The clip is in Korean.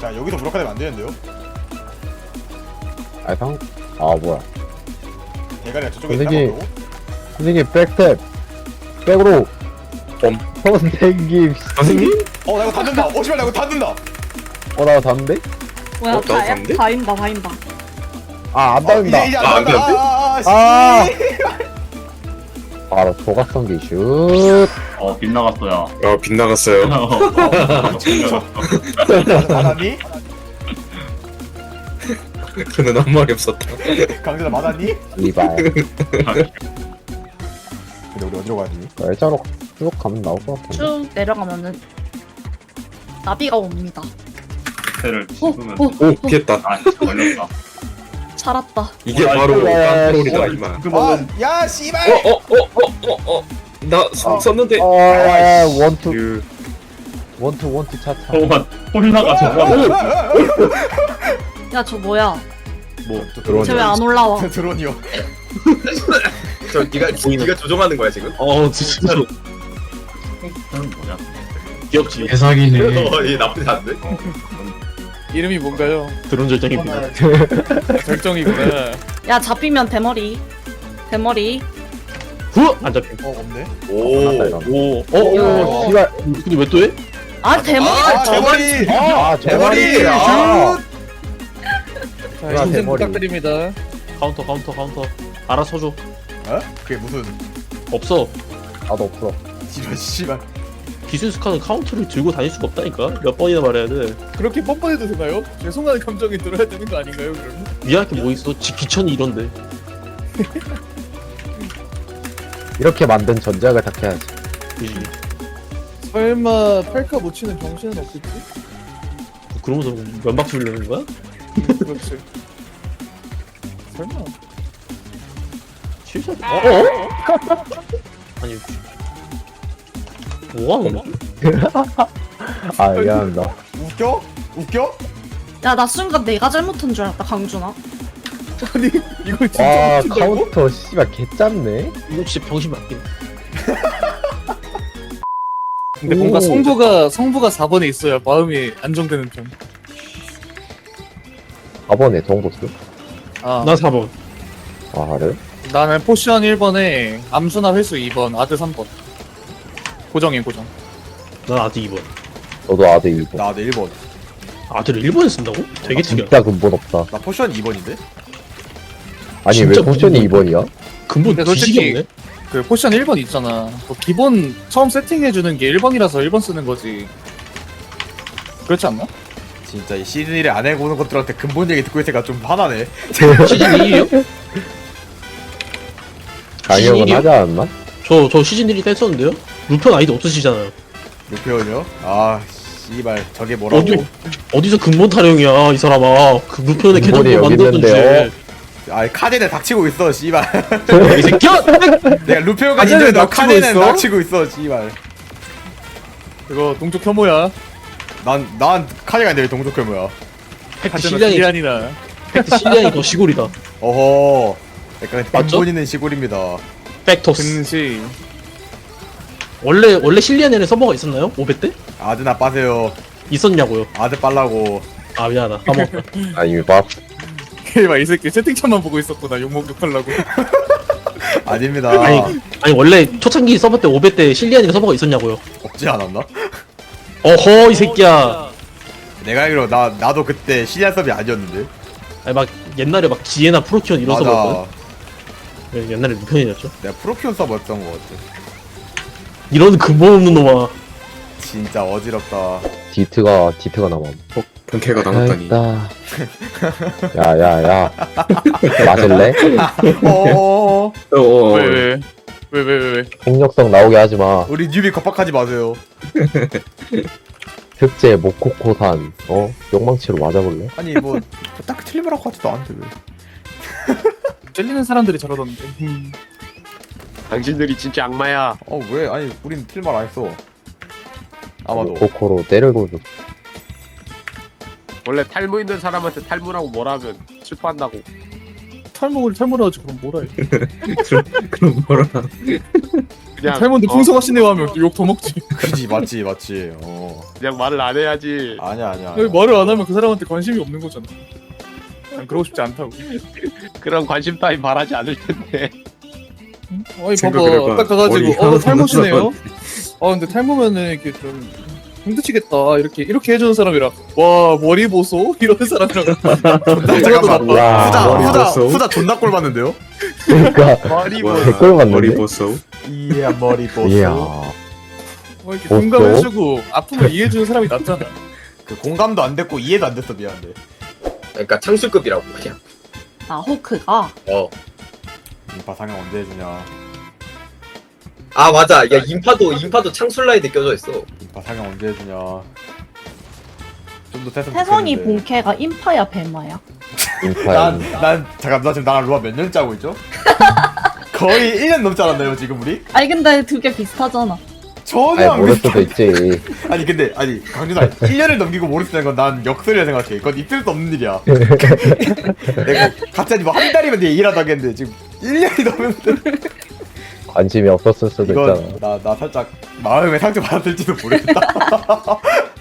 자 여기서 무력화되면 안 되는데요? 뭐야. 대가리가 저쪽에 선생님. 있다고? 선생님, 백탭. 백으로. 선생님. 선생님? 나 이거 닫는다. 씨발 나 이거 닫는다. 나 닿는데? 뭐야, 나도 다야? 봤는데? 다인다, 다인다. 안 닿는다. 이제 안 안 닫는다. 바로 조각성기 슛. 빗나갔어요. 빗나갔어요. 맞았니? 그는 한 말이 없었다. 강진아 맞았니? 이발. 근데 우리 어디로 가야 되니? 일자로 쭉 가면 나올 것 같은데. 쭉 내려가면은 나비가 옵니다. 배를 씹으면 어? 오, 피했다. 걸렸다. 살았다. 이게 아, 바로 이거야. 컨트롤이다, 임마. 야 씨발! 나 썼는데. 원투 차차. 홀라가 저거. 야, 저 뭐야? 드론. 쟤 왜 안 올라와? 드론이요. 저 네가 조종하는 거야 지금? 진짜로 그건 뭐야? 귀엽지. 대사기네. 얘 나쁘지 않네. 이름이 뭔가요? 드론 절정입니다. 절정이구나. 야, 잡히면 대머리. 대머리. 후! 안 잡힌. 없네. 오. 오, 씨발. 근데 왜 또 해? 아, 대머리. 대머리! 대머리. 대머리! 아. 자, 야, 인생 대머리. 부탁드립니다. 카운터. 알아서 줘. 그게 무슨 없어. 나도 없어. 씨발. 기술스카는 카운터를 들고 다닐 수가 없다니까. 몇 번이나 말해야 돼. 그렇게 뻔뻔해도 되나요? 죄송한 감정이 들어야 되는 거 아닌가요, 그러면? 미안할 게 뭐 있어. 기천이 이런데. 이렇게 만든 전작을 닦아야지. 그지. 설마 팔카 못 치는 정신은 없겠지? 그러면서 면박수 빌려는 거야? 그렇지. 설마. 실수? 아니. 뭐가 하는 거야? 미안합니다. 웃겨? 야, 나 순간 내가 잘못한 줄 알았다, 강준아. 아니, 이걸 진짜 와, 못 친다고? 카운터, 씨발, 개짠네. 이거 진짜 병신 맞긴. 근데 뭔가 성부가 4번에 있어야 마음이 안정되는 편. 4번에 동보스. 아, 나 4번. 그래? 나는 포션 1번에 암수나 회수 2번, 아드 3번. 고정이에요, 고정. 난 아드 2번. 너도 아드 2번. 나 1번. 아드를 1번에 쓴다고? 되게 특이하다. 진짜 근본 없다. 나 포션 2번인데? 아니, 진짜 왜 포션이 근본 2번이야? 근본 근데 솔직히 뒤지게 없네? 그 포션 1번 있잖아. 그 기본 처음 세팅해주는 게 1번이라서 1번 쓰는 거지. 그렇지 않나? 진짜 이 시즌 1에 안 해보는 것들한테 근본 얘기 듣고 있으니까 좀 화나네. 시즌 2에요? 강력은 시즌 하지 않았나? 저 시즌 1이 뗐었는데요? 루편 아이디 없으시잖아요. 루페온이요? 씨발 저게 뭐라고? 어디서 근본 타령이야 이 사람아. 그 루편에 근본이 계정도 여기 만들었던 있는데요. 주제. 카덴에 닥치고 있어 씨발. 이 새끼야! 내가 루페온까지 카덴에 있는데 너 닥치고 카덴에 있어? 닥치고 있어 씨발. 이거 동족 혐오야. 난 카덴가 아닌데 왜 동족회 뭐야? 팩트 하지만 실량이 기한이나. 팩트 실량이 더 시골이다. 어허. 약간 맞죠? 근본 있는 시골입니다. 팩토스. 근시. 원래 실리안에는 서버가 있었나요? 500 때? 아드나 빠세요. 있었냐고요. 아드 빨라고. 아 미안하다. 까먹었다. 아니, 막. 걔막 이 새끼 채팅창만 보고 있었구나. 욕하려고. 아닙니다. 아니 원래 초창기 서버 때 500 때 실리안이가 서버가 있었냐고요. 없지 않았나? 어허 이 새끼야. 내가 알기로 나도 그때 시리아 서비 아니었는데. 아니 막 옛날에 막 지에나 프로키온 이런 맞아. 서버였거든. 네, 옛날에 루편이었죠. 내가 프로키온 서버였던 것 같아. 이런 근본 없는 놈아. 진짜 어지럽다. 디트가 남아. 본캐가 남았다니. 있다. 야. 맞을래? 어어어. 왜? 폭력성 나오게 하지 마. 우리 뉴비 겁박하지 마세요. 특제 모코코산. 욕망치로 맞아볼래? 아니 뭐 딱히 틀린 말 하고 하지도 않는데 왜? 찔리는 사람들이 저러던데. 당신들이 진짜 악마야. 왜? 아니 우린 틀린 말 안 했어. 아마도. 모코코로 때리고 좀. 원래 탈모 있는 사람한테 탈모라고 뭐라면 슬퍼한다고. 탈모를 하지 그럼 뭐라 해. 그럼 뭐라. 그냥 탈모인데 풍성하시네요 하면 욕 더 먹지. 그지 맞지 맞지. 그냥 말을 안 해야지. 아니야. 왜 말을 안 하면 그 사람한테 관심이 없는 거잖아. 난 그러고 싶지 않다고. 그런 관심 따위 바라지 않을 텐데. 아니 생각을 봐봐 해봐. 딱 가가지고 머리 너 탈모시네요? 하나도 근데 탈모면은 이렇게 좀 힘드시겠다 이렇게 해주는 사람이랑 와 머리 보소 이러는 사람이랑 잠깐만. 야, 머리 봤어? 후자 존나 꼴 봤는데요? 그러니까 머리 와, 댓글 봤는데? 머리 보소. 이야 머리 보소. 이야. 이렇게 보소? 공감해주고 아픔을 이해해주는 사람이 낫잖아. 그 공감도 안 됐고 이해도 안 됐어 미안한데. 그러니까 창술급이라고 그냥. 아 호크가 인파 상영 언제 해주냐? 아 맞아. 야 인파도 창술 라인에 껴져 있어. 인파 상영 언제 해주냐? 좀 더 됐으면 태성이 좋겠는데. 본캐가 인파야 뱀마야? 인파야. 난 잠깐 나 지금 나랑 루아 몇 년 짜고 있죠? 거의 1년 넘지 않았나요 지금 우리? 아니 근데 두 개 비슷하잖아. 전혀 아니 안 모를 비슷해. 수도 있지. 아니 근데 강준아 1년을 넘기고 모르겠다는 건 난 역설이라 생각해. 그건 있을 수 없는 일이야. 내가 갑자기 뭐 한 달이면 내가 일하다 하겠는데 지금 1년이 넘었는데 관심이 없었을 수도 있잖아. 이건 나 살짝 마음에 상처 받았을지도 모르겠다.